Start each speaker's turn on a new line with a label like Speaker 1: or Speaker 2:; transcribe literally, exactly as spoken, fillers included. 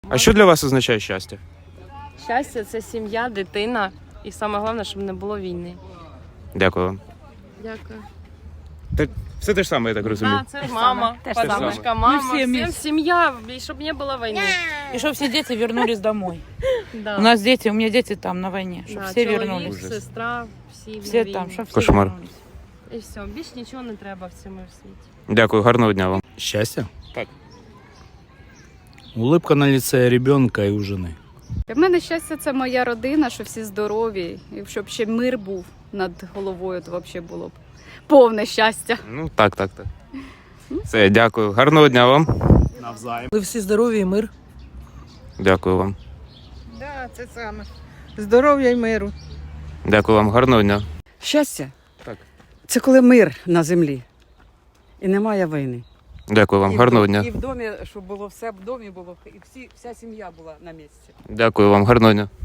Speaker 1: А що для вас означає щастя?
Speaker 2: Щастя це сім'я, дитина і саме головне, щоб не було війни.
Speaker 1: Дякую вам.
Speaker 2: Дякую.
Speaker 1: Та все те ж саме, я так розумію.
Speaker 2: Так, це мама,
Speaker 3: Те ж саме.
Speaker 2: подружка, мама,
Speaker 3: Ми всі
Speaker 2: всім
Speaker 3: міс-
Speaker 2: сім'я, і щоб не було війни.
Speaker 3: И чтобы все дети вернулись домой.
Speaker 2: Да.
Speaker 3: У нас дети, у меня дети там на войне, чтобы
Speaker 2: Да,
Speaker 3: все
Speaker 2: чоловік,
Speaker 3: вернулись.
Speaker 1: Ужас.
Speaker 2: сестра, всі,
Speaker 3: Все
Speaker 2: на
Speaker 3: там,
Speaker 2: війні.
Speaker 3: чтобы все
Speaker 1: Кошмар.
Speaker 3: вернулись.
Speaker 2: І все, більш нічого не треба в цьому світі.
Speaker 1: Дякую, гарного дня вам.
Speaker 4: Счастье?
Speaker 1: Так.
Speaker 4: Улыбка на лице ребенка и у жены.
Speaker 5: Для мене щастя це моя родина, що всі здорові, і щоб ще мир був над головою, то взагалі було б повне щастя.
Speaker 1: Ну, так, так, так. Все, дякую. Гарного дня вам.
Speaker 4: Навзаим.
Speaker 6: Ви всі здорові і мир.
Speaker 1: Дякую вам.
Speaker 7: Да, це саме. Здоров'я і миру.
Speaker 1: Дякую вам, гарного дня.
Speaker 8: Щастя
Speaker 1: Так.
Speaker 8: це коли мир на землі і немає війни.
Speaker 1: Дякую вам,
Speaker 8: І в
Speaker 1: гарного
Speaker 8: дом-
Speaker 1: дня.
Speaker 8: І в домі, щоб було все в домі було, і всі, вся сім'я була на місці.
Speaker 1: Дякую вам, гарного дня.